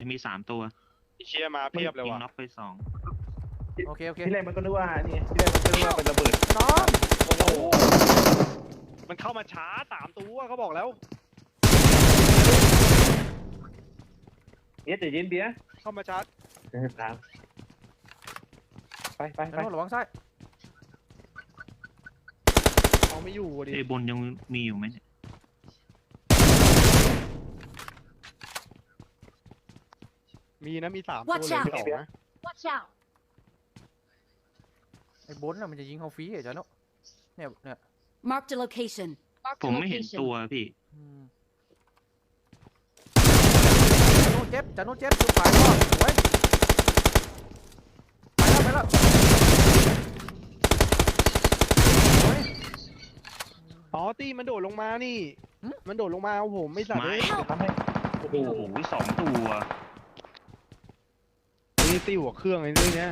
มี3 ตัวเชียร์มาเพียบเลยยิงว่ะน็อกไป2 โอเคที่แรกมันก็นึกว่านี่ที่แรกมันก็นึกว่าเป็นระเบิดน้องโอ้โหมันเข้ามาช้า3 ตัวเขาบอกแล้วเดี๋ยวเย็นเบียร์เข้ามาช้าตามไปน้องระวังซ้ายเอาไม่อยู่ดิบนยังมีอยู่ไหมเนี่ยมีนะมี3 ตัว Watch เลย out 2นะ Watch out! ไอ้บนน่ะมันจะยิงเขาฟรีเหรอจ๊ะเนาะเนี่ย Marked a location. Marked ผ a มไม่เห็น location. ตัวพี่จะโน่นเจ็บจะโน่นเจ็บจุดฝ่ายรอดไว้ไปแล้วอ๋อตีมันโดดลงมานี่มันโดดลงมาเอาผมไม่สัตว์ไม่เลยทำให้โอ้โห2 ตัวนี่ตีหัวเครื่องไอ้เรื่องเนี้ย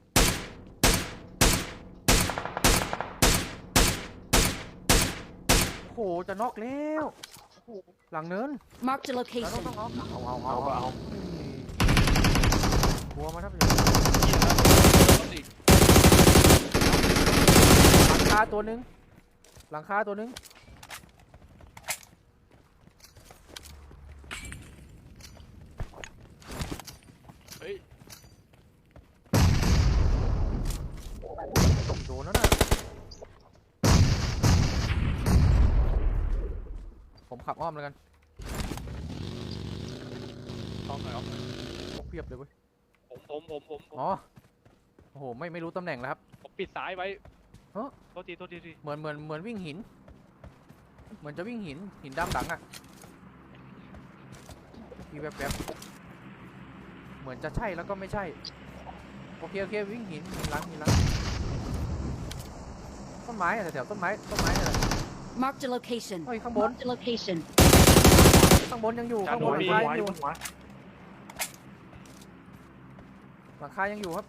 โอ้โหจะน็อกแล้วหลังเนิน Marked a แล้ว location. ต้องเอาเอากลัวมาทับเลยหลังคาตัวหนึงหลังคาตัวหนึงเฮ้ยโดนแล้วนะผมขับอ้อมแล้วกันเอาหน่อยเอาหน่อยเพียบเลยเว้ยผมอ๋อโอ้โหไม่รู้ตำแหน่งแล้วครับผมปิดซ้ายไว้ฮะโทษทีเหมือนวิ่งหิน เหมือนจะวิ่งหินดำหลังอ่ะมีแวบๆเหมือนจะใช่แล้วก็ไม่ใช่โอเควิ่งหินหลังต้นไม้อะแถวต้นไม้เนี่ย Marked a location. เฮ้ยข้างบน Marked a location. ข้างบนยังอยู่จานข้างบนโดนหลังคาไว้ยังอยู่บนหัวหลังคายังอยู่ครับ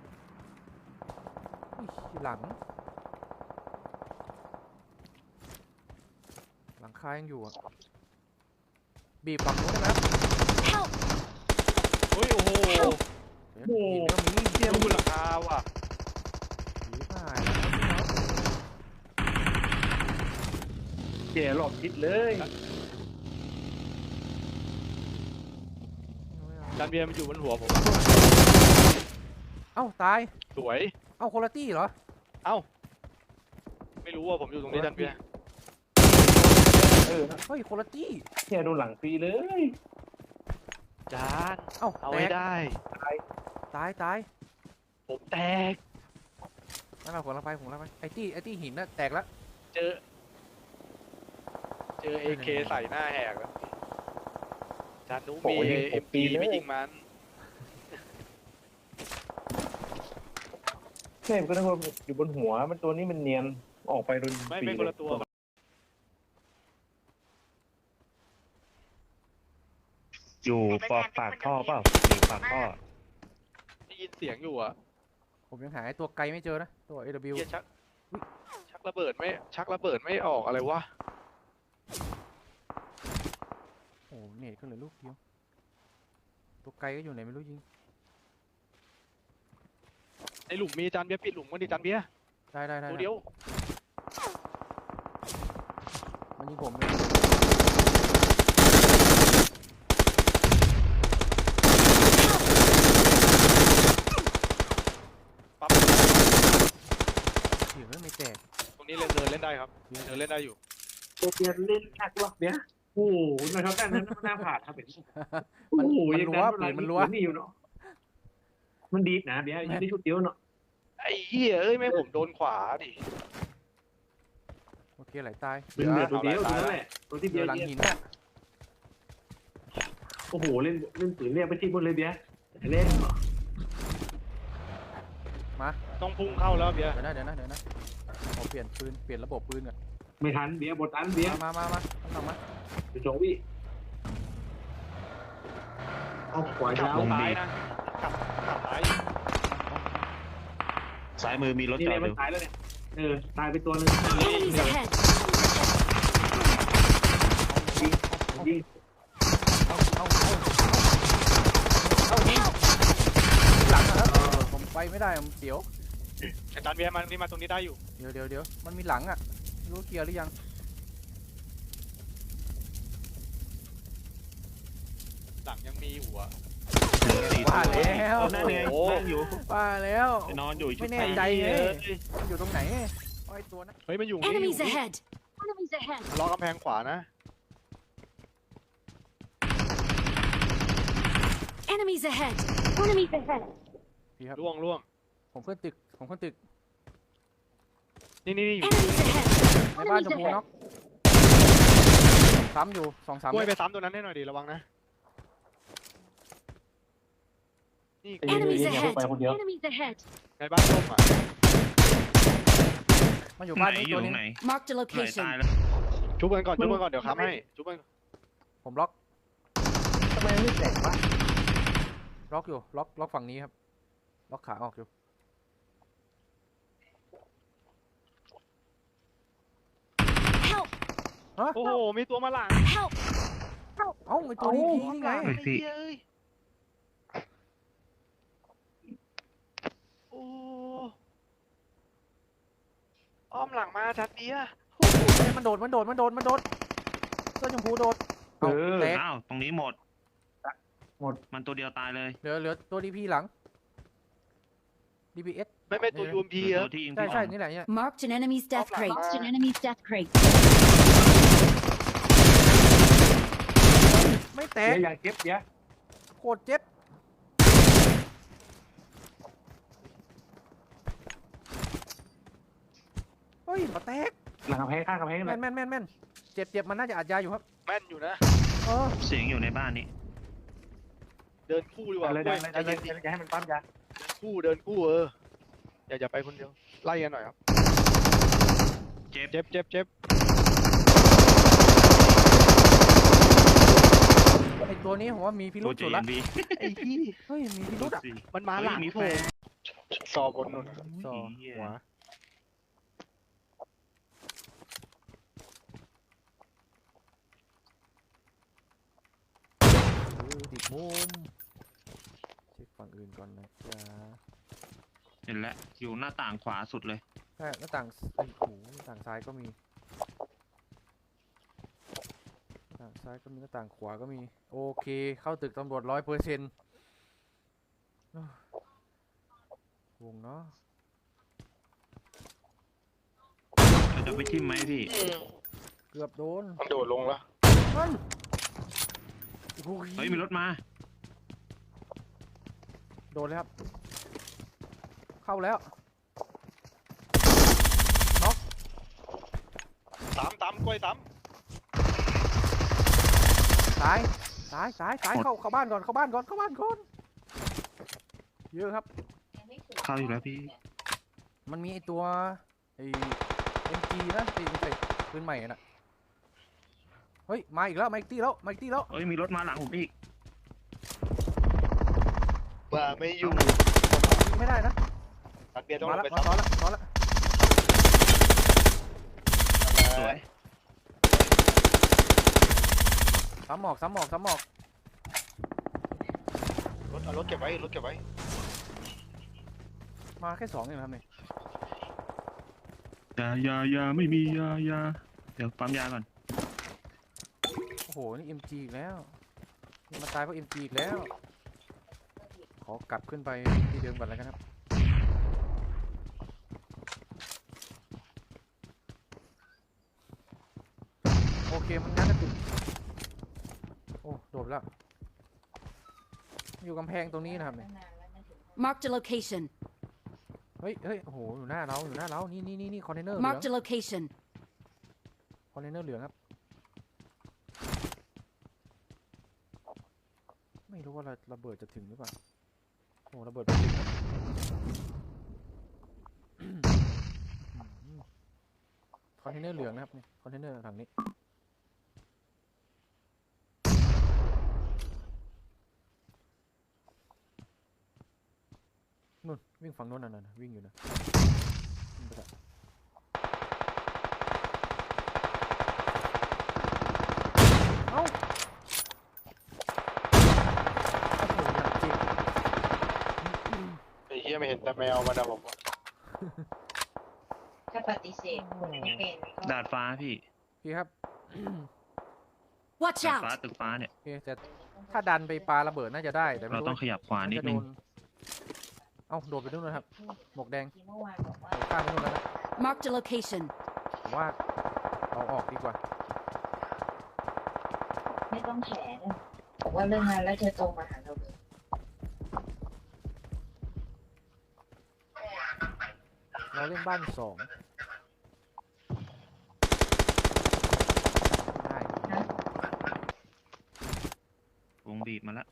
อุ๊ยหลังคายังอยู่อะบีบฝั่งนู้นได้ไหมครับ Help! เฮ้ยโอ้โหหินก็มีเทียมบนหลังคาว่ะผีผ่านเจ๋หลบทิศเลยจานเบียร์มันอยู่บนหัวผมเอ้าตายสวยเอ้าโคลาตี้เหรอไม่รู้ว่าผมอยู่ตรงนี้จานเบียร์เออเฮ้ยโคลาตี้เนี่ยโดนหลังฟรีเลยจานเอ้าเอาแตไว้กได้ตายผมแตกนั่นเราผมละไปไอ้ตี้หินน่ะแตกแล้วเจอเอเคใส่หน้าแหกแล้วจานนุมีเอ็มปีไม่ยิงมันใช่ก็นึกว่าอยู่บนหัวมันตัวนี้มันเนียนออกไปโดนไม่คนละตัวอยู่ปากท่อเปล่าอยู่ปากท่อได้ยินเสียงอยู่อ่ะผมยังหาไอ้ตัวไกลไม่เจอนะตัว AW เฮียชักระเบิดไม่ออกอะไรวะโอ้เน็ตก็เหลือลูกเดียวตัวไกลก็อยู่ไหนไม่รู้ยิงในหลุมมีจานเบียร์ปิดหลุมกันดิจานเบียร์ได้ตัวเดียวมันยิงผมเลยปั๊บเสียงไม่แตกตรงนี้เดินเล่นได้ครับเดินเล่นได้อยู่ตัวเบียร์เล่นหนักวะเบียร์โอ้โหนะครับด้านนั้นหน้าผาดครับเห็นมันโอ้โหรั้วปืนมันรั้วนี่อยู่เนาะมันดีนะเบียร์ยิงได้ชุดเดียวเนาะไอ้เหี้ยเอ้ยไม่ผมโดนขวาดิโอเคไหลตายเป็นเหลือตัวเดียวตัวนั้นแหละตัวที่เดี๋เบียยว ร์หลังยิงหินน่ะโอ้โหเล่นปืนเรียกไปที่บนเลยเบียร์เล่นมาต้องพุ่งเข้าแล้วเบียร์เดี๋ยวนะขอเปลี่ยนปืนเปลี่ยนระบบปืนก่อนไม่ทันเบียร์บทอันเบียร์มาต้องมาจะจงวิเอาขวาขับยาวซ้ายนะขับซ้ายซ้ายมือมีรถนี่จแหอละดอยู่มันตายแล้วเนี่ยตายไปตัวนึง Enemies ahead! ยิงเอาไม่ได้มันเสียวอาจารย์เบียร์มันนี่มาตรงนี้ได้อยู่เดี๋ยวมันมีหลังอ่ะไม่รู้เคลียร์หรือยังหลังยังมีอยู่อะว่าแล้วนั่นไงนั่งอยู่ว่าแล้วนอนอยู่ไม่แน่ใจไงมันอยู่ตรงไหนไอ้ตัวนั้นเฮ้ยมันอยู่นี่ Enemies ahead! Enemies ahead! ล้อกำแพงขวานะ Enemies ahead! Enemies ahead! พี่ครับล่วงผมขึ้นตึกนี่อยู่ Enemies ahead! ในบ้านชมพูน็อกซ้ำอยู่2-3 กล้วยไปซ้ำตัวนั้นให้หน่อยดิระวังนะนี่ Enemies อย่า ahead! ไปคนเดียว Enemies ahead! ในบ้านส้มอ่ะมันอยู่ไหนบ้านนี้อตัยู่วตรนึงงไหน Marked a ไหน location. ตายแล้วชุบกันก่อนเดี๋ยวค้ำให้ชุบกันผมล็อกทำไมไม่แตกวะล็อกอยู่ล็อกฝั่งนี้ครับล็อกขาออกอยู่ Help! โอ้โหมีตัวมาหลัง Help! เอ้าไอตัวนี้พี่นี่ไงเฮ้ยพี่โอ้อ้อมหลังมาชัดเบียร์มันโดดเสื้อชมพูโดดเอาแตกอ้าวตรงนี้หมดหมดมันตัวเดียวตายเลยเหลือตัวดีพีหลัง DPS ไม่ตัวยูมพีเหลืออะตัวที่ยิงใช่พี่ใช่อ๋องนี่แหละเนี่ย Marked an enemy's death crate. Marked an enemy's death crate. ไม่แตเดี๋กยวอย่าเก็บเดี๋ยวโคตรเจ็บเฮ้ยมาแตกหลังกำแพงข้างกำแพงแม่เลยนเจ็บมันน่าจะอัดยาอยู่ครับแม่นอยู่นะเออเสียงอยู่ในบ้านนี้เดินคู่ดีกว่าเลยกล้วยได้เลยอย่าให้มันปั๊มยาเดินคู่อย่าไปคนเดียวไล่กันหน่อยครับเจ็บเจ็บไอตัวนี้ผมว่ามีพิรุตัวษเจสุดนละบีไอ้ที่เฮ้ยมีพิรุษอ่ะมันมาหลังมีแฟนซอบนนู่นต่อหัวติดมุมเช็คฝั่งอื่นก่อนนะจ๊ะเห็นแล้วอยู่หน้าต่างขวาสุดเลยใช่หน้าต่างไอ้ยโอ้โหหน้าต่างซ้ายก็มีหน้าต่างซ้ายก็มีหน้าต่างขวาก็มีโอเคเข้าตึกตำรวจ100%วงเนาะเราจะไปทิมไหมพี่เกือบโดนมันโดดลงแล้วมันโอ้เฮ้ยมีรถมาโดนเลยครับ เข้าแล้วตามกล้วยตามซ้ายเข้าบ้านก่อนเยอะครับเข้าอยู่แล้วพี่มันมีไอตัวไอ MG นะไอปืนใหม่น่ะเฮ้ยมาอีกตีแล้วเฮ้ยมีรถมาหลังผมอีกว่าไม่อยู่ไม่ได้นะตัดเบียร์ต้องมาลละงไปมาซ้ำซ้อนละสวยซ้ำหมอกเอารถเก็บไว้มาแค่2เองครับเนี่ยยาไม่มียาเดี๋ยวปั๊มยาก่อนโอ้โหนี่ MG อีกแล้วนี่มาตายเพราะ MG อีกแล้วขอกลับขึ้นไปที่เดิมก่อนแล้วกันครับโอเคมันงั้นนะติดโอ้โดดแล้วอยู่กำแพงตรงนี้นะครับเนี่ย Marked a location. เฮ้ยโอ้โหอยู่หน้าเรานี่คอนเทนเนอร์เหลือง Marked a location. คอนเทนเนอร์เหลืองครับไม่รู้ว่าระเบิดจะถึงหรือเปล่าโอ้ระเบิดไม่ถึงครับคอนเทนเนอร์เหลืองนะครับนี่คอนเทนเนอร์ถังนี้นู่นวิ่งฝั่งโน้นน่ะวิ่งอยู่นะวิ่งไปละเอ้าโอ้โหอยากเจ็บไอ้เหี้ยยังไม่เห็นแต่แมวมันนะผมถ้าปฏิเสธไม่เป็นก็ดาดฟ้าพี่พี่ครับ Watch ดาดฟ้า out! ตึกฟ้าเนี่ยโอเคแต่ถ้าดันไปปาระเบิดน่าจะได้แต่ไม่เรารู้ต้องขยับขวานิดจะนึโดงนเอ้าโดดไปนู่นนะครับหมวกแดงที่เมื่อวานบอกว่าข้ามไปนู่นแล้วนะ Marked a location. ผมว่าเราออกดีกว่าไม่ต้องแฉเลยบอกว่าเรื่องงานแล้วเธอตรงมาหาเราเลยเราเล่นบ้านสองได้นะวงบีบมาแล้ว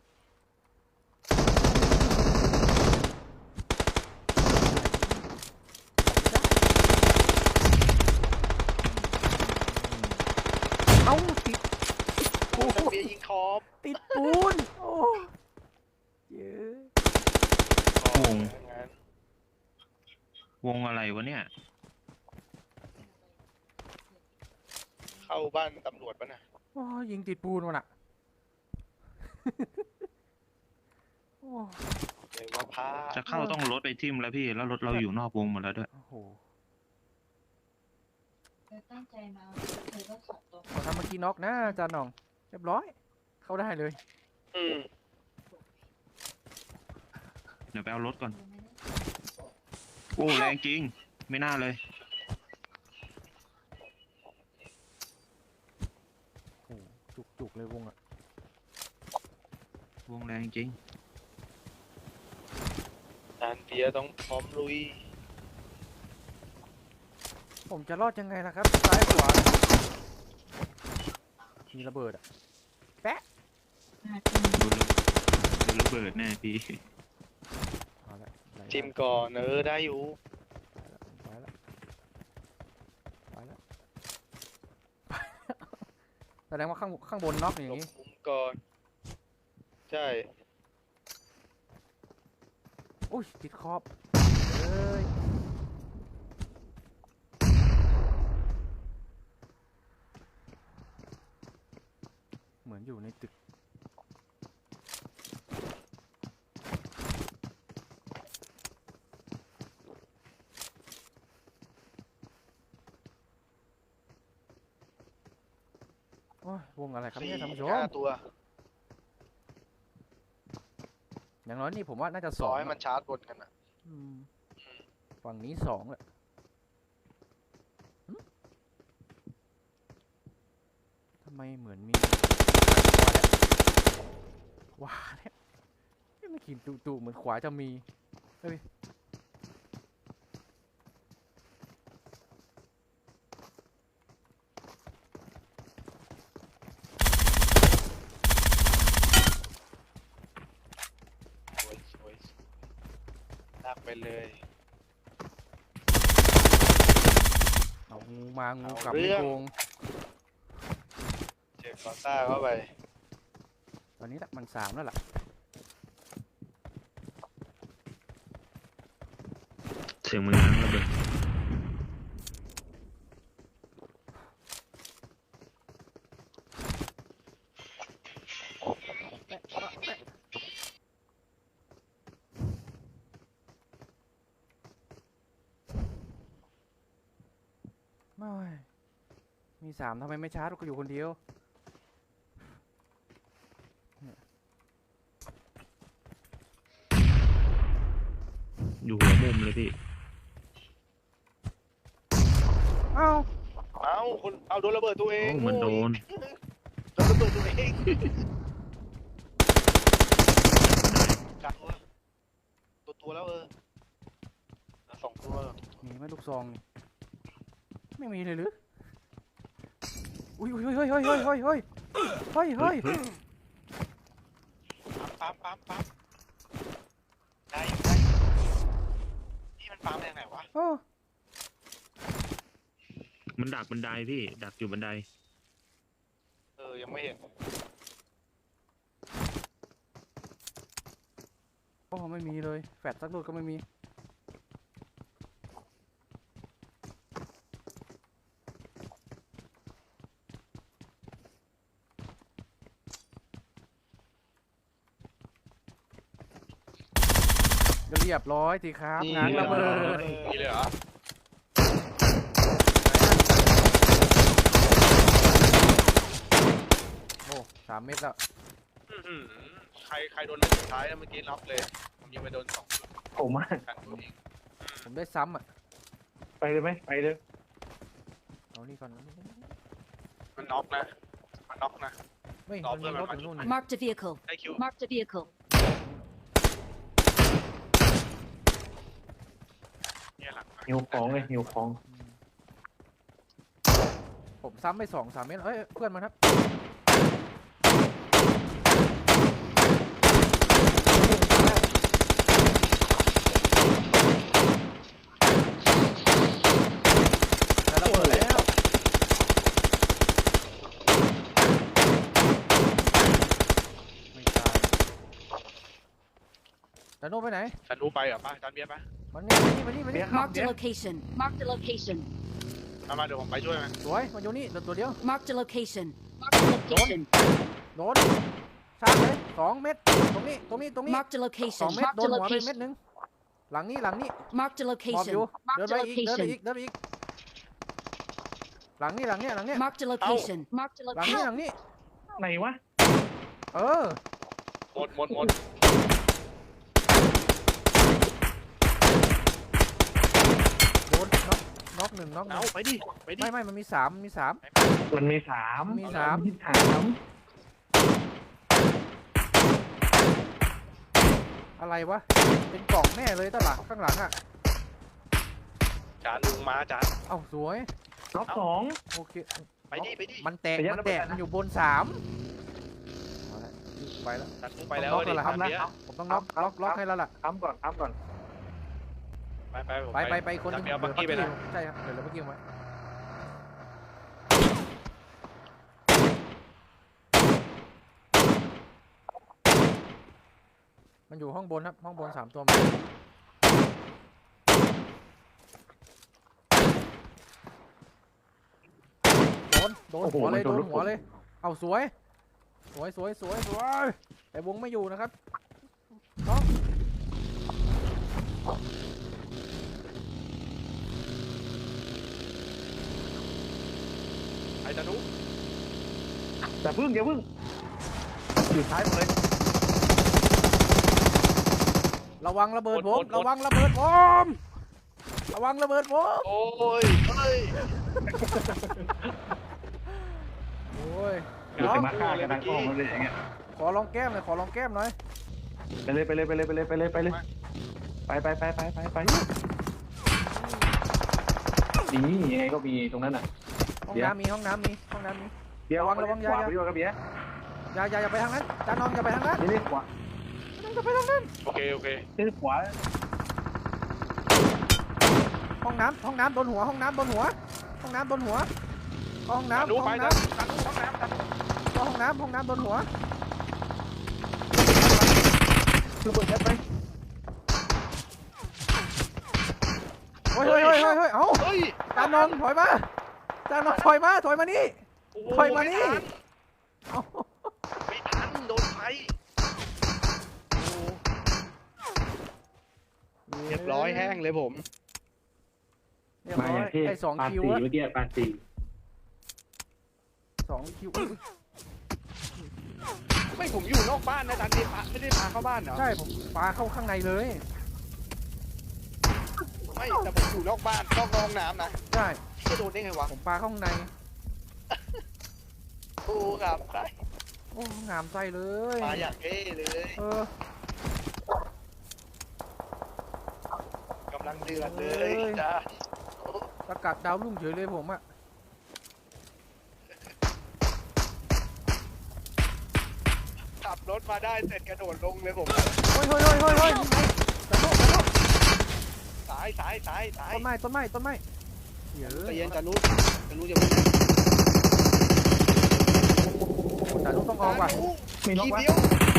เอ้าติดโอ้เบียร์ยิงคอมติดปูนโอ้เยอะงั้นวงอะไรวะเนี่ยเข้าบ้านตำรวจป่ะน่ะโอ้ยิงติดปูนมันอะโอ้เดี๋ยวว่าพาจะเข้าต้องรถไปทิ่มแล้วพี่ แล้วรถเราอยู่นอกวงหมดแล้วด้วยโอ้โหเธอตั้งใจมาเธอก็ขับตรงขอทำเมื่อกี้น็อกนะอาจารย์หน่องเรียบร้อย เข้าได้เลยอืมเดี๋ยวไปเอารถก่อนไม่ได้โอ้แรงจริง ไม่น่าเลยโอ้จุกเลยวงอะวงแรงจริงจานเบียร์ต้องพร้อมลุยผมจะรอดยังไงล่ะครับซ้ายขวามีระเบิดอะหน้าที่ดูระเบิดแน่พี่เอาละไหลได้จิมก่อนได้อยู่ไปแล้วไปแล้ว แสดงว่าข้างบนน็อกอย่างหลบนี้มุมก่อน ใช่อุ้ยติดขอบเอ้ยเหมือนอยู่ในตึกโอ้ยวงอะไรครับเนี่ยท่านผู้ชม 4-5 ตัวอย่างน้อยนี่ผมว่าน่าจะสรออง ให้มันชาร์จบนกันนะอืมฝั่งนี้สองแหละหึทำไมเหมือนมีว้าเนี่ยไม่ขีดตุเหมือนขวาจะมีเฮ้ยสวยลากไปเลยเอางูมางูเอากลับเรื่ไม่องโกงเจอคอต้าเข้าไปตอนนี้ละมันสามแล้วล่ะเสียงมันง้างระเบิดไม่มีสามทำไมไม่ชาร์จก็อยู่คนเดียวอยู่หัวมุมเลยพี่เอ้าเอาคนเอาโดนระเบิดตัวเองโอ้มันโดนโดนระเบิดตัวเองกัดตัวแล้วสองตัวมีไหมลูกซองนี่ไม่มีเลยหรืออุ้ยเฮ้ยเฮ้ยเฮ้ยเฮ้ยเฮ้ยเฮ้ยเฮ้ยเฮ้ยปั๊มได้อยู่ได้อยู่นี่มันปั๊มยังไงวะโอ้มันดักบันไดพี่ ดักอยู่บันไดยังไม่เห็นโอ้ไม่มีเลยแฟดสักลูกก็ไม่มีก็เรียบร้อยสิครับงานระเบิดนี่เลยเหรอโอ้3 เม็ดแล้วอื้อหือใครโดนนัดสุดท้ายเมื่อกี้น็อกเลยผมยิงไปโดน2 ผมอะกันตัวเองผมได้ซ้ำอ่ะไปเลยไหมไปเลยเอานี่ก่อนมันน็อกนะมันน็อกนะไม่ต่อมันเพื่มีอนรถมันอยู่นู่น Marked a vehicle. ได้คิว Marked a vehicle. เนี่ยหลังหิวของเลยหิวของผมซ้ำไป2-3 เม็ดเอ้ยเพื่อนมันครับ แต่ระเบิดแล้วไม่ตายแต่โน่ไปไหนฉันรู้ไปเหรอป่ะจานเบียร์ป่ะมันนี่มานี่ Marked a location. Marked a location. มาเดี๋ยวผมไปช่วยมันสวยมันอยู่นี่ตัวเดียว Marked a location. Marked a location. โดนชาร์จเลย2 เม็ดตรงนี้ Marked a 2 location. เม็ด Marked โด a นหัวไปเม็ด location. นึงหลังนี้ Marked a หมอบอยู่ location. เดิน Marked ไป a อีก location. เดินไปอีกหลังนี้ Marked a location. Marked a หลัง location. นี้ไหนวะเออหมดโดนน็อกหนึ่งเอาไปดิไปดิไม่มันมี3 มันมีสามมีสามมีสามอะไรวะเป็นกล่องแน่เลยตะหลังข้างหลังอ่ะจานลุงมาจานเอ้าสวยล็อกสองโอเคไปดิมันแตกระยะมันแตกระเบิดนะมันอยู่บน3เอาละไปแล้วจานลุงไปแล้วต้องน็อกดิแล้วจานเบียร์ผมต้องล็อกให้แล้วล่ะทำก่อนไปคนจานที่เบียร์บักกี้ไปนะใช่ครับเดี๋ยวเราบักกี้ไว้มันอยู่ห้องบนครับห้องบน3 ตัวโดนหัวเลยโดนหัวเลยเอาสวยแต่วงไม่อยู่นะครับน้องไอ้จานุอย่าพึ่งอยู่ท้ายหมดเลยระวังระเบิดผมระวังระเบิดผมโอ้ยเฮ้ยโอ้ยเดี๋ยวจะมาฆ่ากันทั้งกล้องเลยอย่างเงี้ยขอลองแก้มหน่อยไปเลยไปนี่ยังไงก็มีตรงนั้นอ่ะห้องเดี๋ยวน้ำมีเดี๋ยวระวังอย่าขวาไปด้วยครับเบียร์อย่าไปทางนั้นจานน้องอย่าไปทางนั้นนี่ขวาอย่าไปทางนั้นโอเคนี่ขวาห้องน้ำโดนหัวห้องน้ำโดนหัวก็ห้องน้ำจานนุไปจานนุห้องน้ำจานนุก็ห้องน้ำโดนหัวคือเปิดแคปไหมเฮ้ยเอ้าเฮ้ยจานน้องถอยมานี่ ถอยมานี่ เอ้าไม่ทันโดนไฟเรียบร้อยแห้งเลยผมเรียบร้อยไอ้2 คิวอะเมื่อกี้ปาตี 2 คิวไม่ผมอยู่นอกบ้านนะจานเบียร์ไม่ได้พาเข้าบ้านเหรอใช่ผมปาเข้าข้างในเลยไม่แต่ผมอยู่นอกบ้านนอกห้องน้ำนะใช่จะโดนได้ไงวะผมปาเข้าข้างในโอ้ครับใช่โอ้งามใจเลยมาอย่างเท่เลยเออกำลังเดือดเลยจ้าสกัดดาวรุ่งเฉยเลยผมอะขับรถมาได้เสร็จกระโดดลงเลยผมเฮ้ยตะโนสายต้นไม้เดี๋ยวใจเย็นจานุจะไม่จานุต้องออกว่ะมีน็อกทีวะเดียว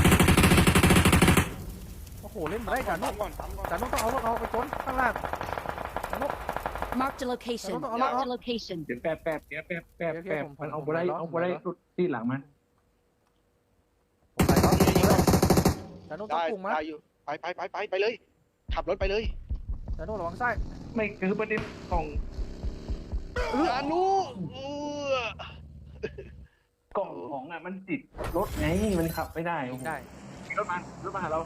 โอ้โหเล่นไม่ได้จานุก่อนจานุต้องเอารถออกไปชนข้างล่าง Marked a location. Ano to? Marked a location. เดี๋ยวแป๊บเดี๋ยวแป๊บมันเอาไปได้สุดที่หลังมันผมไปครับจานุต้องได้พุ่งมาได้อยู่ไปเลยขับรถไปเลยจาโน่ระวังซ้ายไม่คือประเด็นของจานุกล่องของอ่ะมันติดรถไงมันขับไม่ได้โอ้โหได้รถมาหาเรา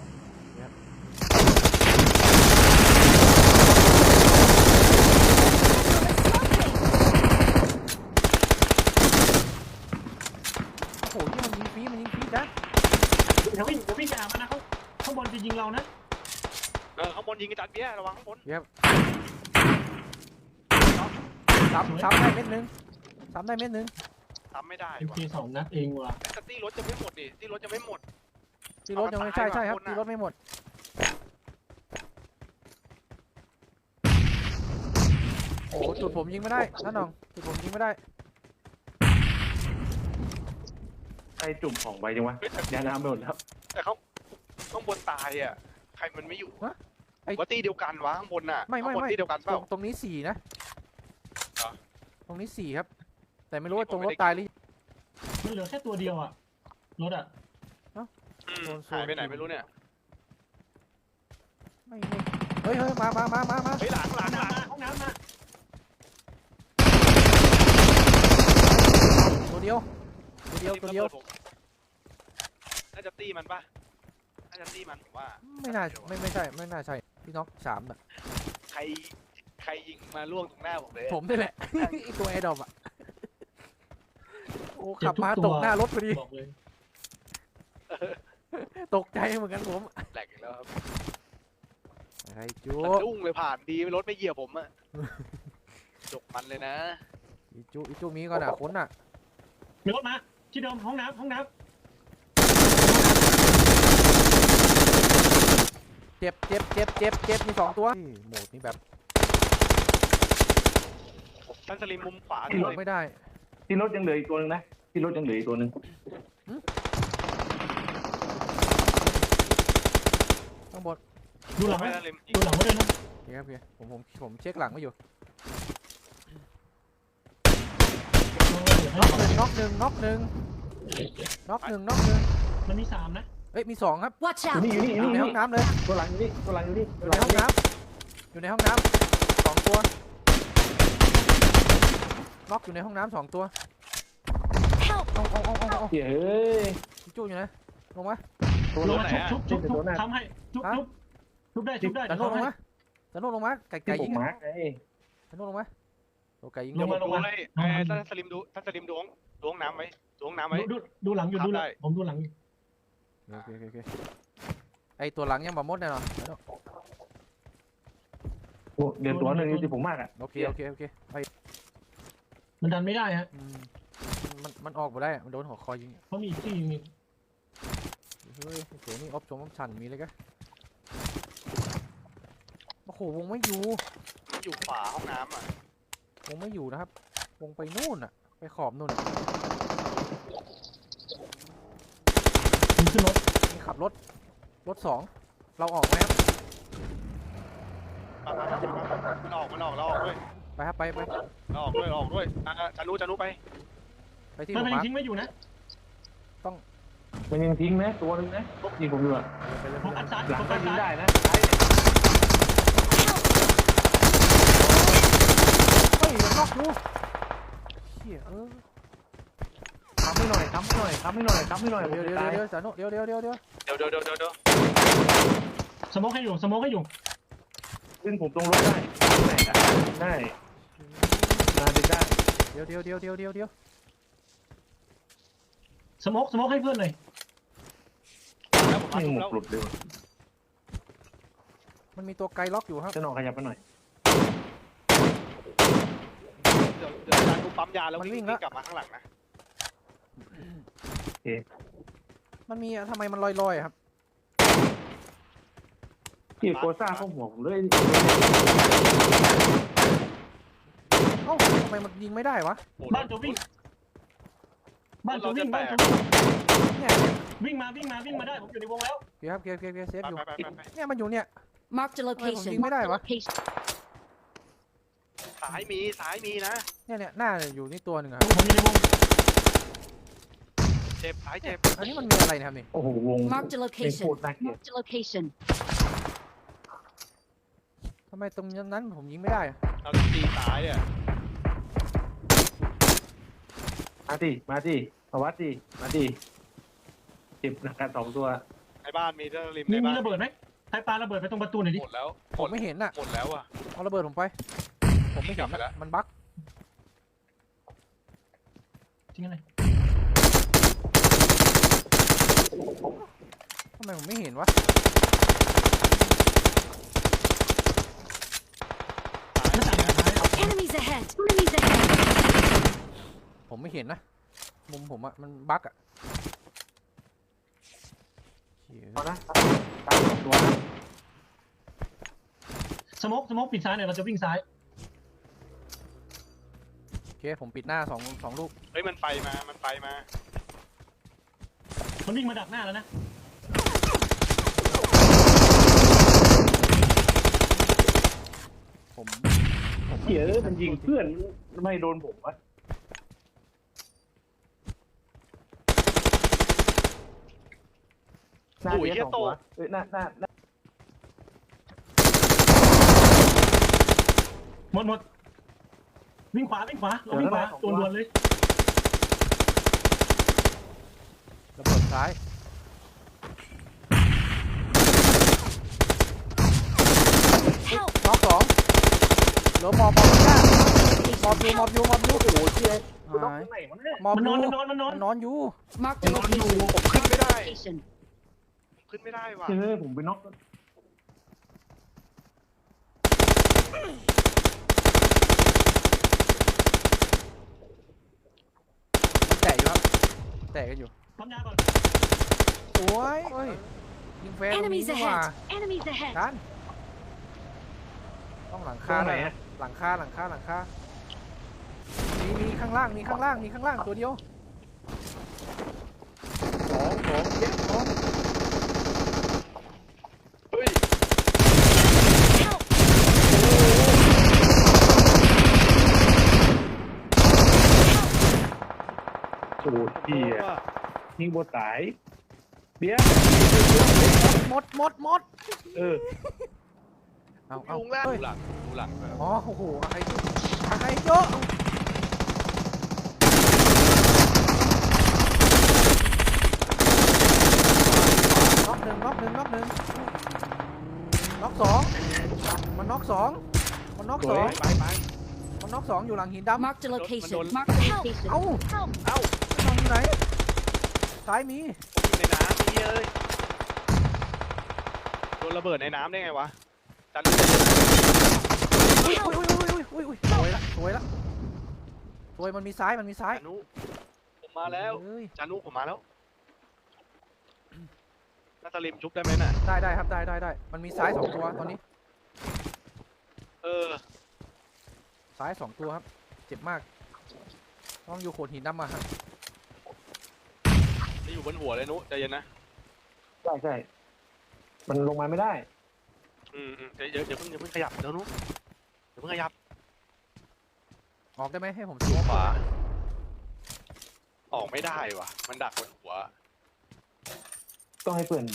โอ้โหที่มันยิงฟรีนะเดี๋ยววิ่งไปหามันนะเขาข้างบนจะยิงเรานะข้างบนยิงอาจารย์เบี้ยระวังข้างบนซ้ำได้เม็ดนึงซ้ำได้เม็ดนึงทำไม่ได้เอ็มว่ะเค2 นัดเองว่ะแต่ตี้รถจะไม่หมดดิตี้รถจะไม่หมดที่รถยังไม่ใช่ครับที่รถไม่หมดโอ้โหจุดผมยิงไม่ได้นั่นน้องจุดผมยิงไม่ได้ใครจุ่มของไปจังวะเฮ้ยแต่ยาน้ำไปหมดแล้วแต่เขาข้างบนตายอ่ะใครมันไม่อยู่ไอ้ว่าตี้เดียวกันวะข้างบนน่ะไม่ข้างบนตี้เดียวกันเปล่าตรงนี้4นะเหรอตรงนี้4ครับ แต่ไม่รู้ว่าตรงรถตายหรือมันเหลือแค่ตัวเดียวอ่ะรถอ่ะหายไปไหนไม่รู้เนี่ยไม่เฮ้ยมาเฮ้ยหลังห้องน้ำมาตัวเดียวน่าจะตี้มันปะน่าจะตี้มันผมว่าไม่น่าใช่พี่น็อก3อ่ะใครยิงมาล่วงตรงหน้าผมเลยผมนี่แหละ ไอตัวแอร์ดรอปอ่ะโอ้ขับมาตกหน้ารถพอดีบอกเลยตกใจเหมือนกันผมแหลกอีกแล้วครับอะไรจูสะดุ้งเลยผ่านดีรถไม่เหยียบผมอะจกมันเลยนะอีจูมีก่อนอ่ะคนอ่ะมีรถมาที่เดิมห้องน้ำเจ็บมี2 ตัวโหมดนี้แบบท่านสลิมมุมขวาหลบไม่ได้ที่รถยังเหลืออีกตัวนึงนะที่รถยังเหลืออีกตัวนึงข้างบนดูหลังไม่ไว้ท่านสลิมดูหลังไว้ด้วยนะโอเคครับผมเช็คหลังไว้อยู่เดี๋ยวให้น็อกหนึ่งมันมี3นะเอ้ยมี2ครับ Watch อยู่ out! นี่อยู่ในห้องน้ำเลยตัวหลังอยู่นี่ตัวหลังอยู่นี่อยู่ในห้องน้ำ2 ตัวน็อกอยู่ในห้องน้ำ2 ตัว Help! เอาเฮ้ยพี่จู้อยู่ไหนลงมาตัวลงไหนมาอ่ะชุบทำให้ชุบได้จันโนลงมาไก่ที่ผยิมงมาร์กไงจันโนลงมาตัวไก่ยิงลงมาดูเลยท่านสลิมดูห้องน้ำไว้ดูหลังอยู่ดูหลังผมดูหลังอยู่โอเคไอตัวหลังยังบ่หมดแน่นอนโอ้เดือนตัวนึงที่ผมมากอ่ะโอเคไปมันดันไม่ได้ฮะมันออกมาได้มันโดนหัวคอยิงเพราะมีที่มีเฮ้ยโหนี่ออฟชันมีเลยกะโอ้โหวงไม่อยู่อยู่ขวาห้องน้ำอ่ะวงไม่อยู่นะครับวงไปนู่นอ่ะไปขอบนู่นมีขึ้นรถนี่ขับรถ2เราออกไหมครับมันออกเราออกด้วยไปครับไปเราออกด้วยจานุไปไปที่มันหัวยังมาร์คทิ้งไว้อยู่นะมันยังทิ้งนะตัวนึงนะยิงผมอยู่อ่ะไปเลยผมอัดซ้ายหลังผมก็อัดยิงซ้ายได้นะซ้ายเนี่ยเฮ้ยมันนอกดูเฮียทำให้หน่อยเดี๋ยวเดี๋ยวสานุเดี๋ยวเดี๋ยวสโมกให้อยู่ซึ่งผมตรงรถได้ไหนอ่ะได้มาดึงได้เดี๋ยวสโมกให้เพื่อนหน่อยแล้วผมไม่หมแล้กวหลุดเลยมันมีตัวไกลล็อกอยู่ครับจะนอนขยับไปหน่อยเดี๋ยวจานุปั๊มยาแล้ววิ่งกลับมาข้างหลังนะมันมีทำไมมันลอยครับที่โกซ่าเข้าหัวผมเลยเอ้าทำไมมันยิงไม่ได้วะบ้านจะวิ่งเนี่ยวิ่งมาได้ผมอยู่ในวงแล้วเกียร์เซฟอยู่ไปเนี่ยมันอยู่เนี่ย Marked a location. Marked a location. ซ้ายมีนะเนี่ยหน้าอยู่นี่ตัวหนึ่งอะผมอยู่ในวงเจ็บซ้ายเจ็บอันนี้มันมีอะไรนะครับนี่โอ้โหวง Marked a เป็นโค location. ตรน่าเกลียด Marked a location. ทำไมตรงนั้นผมยิงไม่ได้อะเราตีตายอ่ะมาดิมาวัดดิมาดิเจ็บหนักกัน2 ตัวในบ้านมีเจ้าริมมีในบ้านระเบิดไหมใครปาระเบิดไปตรงประตูหน่อยดิหมดแล้วผมไม่เห็นอ่ะหมดแล้วอ่ะเอาระเบิดผมไป ผมไม่เห็กลันบไปแล้วอะมันบั๊กจริงอะไรทำไมผมไม่เห็นวะไม่ต่างกันท้าย Enemies ahead! Enemies ahead! ผมไม่เห็นนะ มุมผมอะมันบั๊กอะเหี้ยเอานะตาย2 ตัวนะสโมกปิดซ้ายหน่อยเราจะวิ่งซ้ายโอเคผมปิดหน้าสองลูกเฮ้ยมันไปมา มันไปมามันวิ่งมาดักหน้าแล้วนะผมเหี้ยมันยิงเพื่อนไม่โดนผมวะหน้าโอ้ยเบียเหี้ร์ย 2 ตัวโตเอ้ยหน้าหมดวิ่งขวาเราวิ่งขวาด่วนๆเลยระเบิดซ้าย Help! น็อก2เหลือมอบข้างหน้ามอบอยู่โอ้โหเชี่ยกูต้องหายไหนวะเนี่ยมอบมันอนอนยู่มันนอนนอนอยู่ Marked a location. ผมขึ้นไม่ได้ Location. ขึ้นไม่ได้ว่ะเฮ้ยผมไปน็อกแตะอยู่ครับแตะกันอยู่ปั๊มยาก่อนสวยเฮ้ยยิงแฟร์ตรงนี้ Enemies ดีกว่า ahead! Enemies ahead! ดันต้องหลังตรคางไหนหน่อยอะหลังคามีข้างล่างตัวเดียว 2 เจ็บเฮ้ย Help! โอ้โหเหี้ยว่ะยิงบนสายเบียร์หมดเออเอาลุงล่างเฮ้ยดูหลังแบบอ๋อโอ้โหอะไรเยอะน็อกหนึ่งน็อก2มันน็อก2 สวยอยู่หลังหินดำ Marked a location. Help! Marked a location. เอ้า Help! มันอยู่ไหนซ้ายมีอยู่ในน้ำนี่เอ้ยโดนระเบิดในน้ำได้ไงวะจันอุ้ยสวยละมันมีซ้ายจานุผมมาแล้วเอ้ยจานุผมมาแล้วน่าจะริมชุบได้ไหมน่ะได้ครับได้มันมีซ้าย2 ตัวตอนนี้เออซ้าย2 ตัวครับเจ็บมากต้องอยู่โขดหินดำมาฮะจะอยู่บนหัวเลยนุใจเย็นนะใช่มันลงมาไม่ได้อย่าเพิ่งขยับเดี๋ยวนุอย่าเพิ่งขยับออกได้ไหมให้ผมหัวขวาออกไม่ได้ว่ะ มันดักบนหัวต้องให้เพื่อนยิง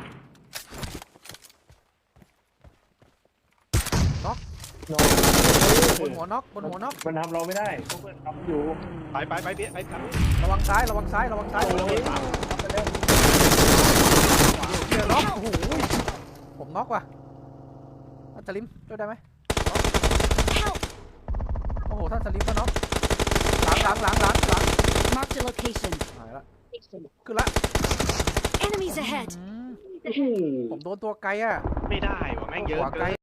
น็อกบนหัวน็อกมันทำเราไม่ได้เพราะเพื่อนทำอยู่ไปเบี้ยไปจันระวังซ้ายเราไปตามไปเร็วเดี๋ยวน็อกโอ้โหผมน็อกว่ะท่านสลิมช่วยได้ไหม Help! โอ้โหท่านสลิมก็น็อกหลัง Marked a location. หายละขึ้นละ Enemies ahead! ผมโดนตัวไกลอ่ะไม่ได้ว่ะแม่งเยอะหัวเกิไกลน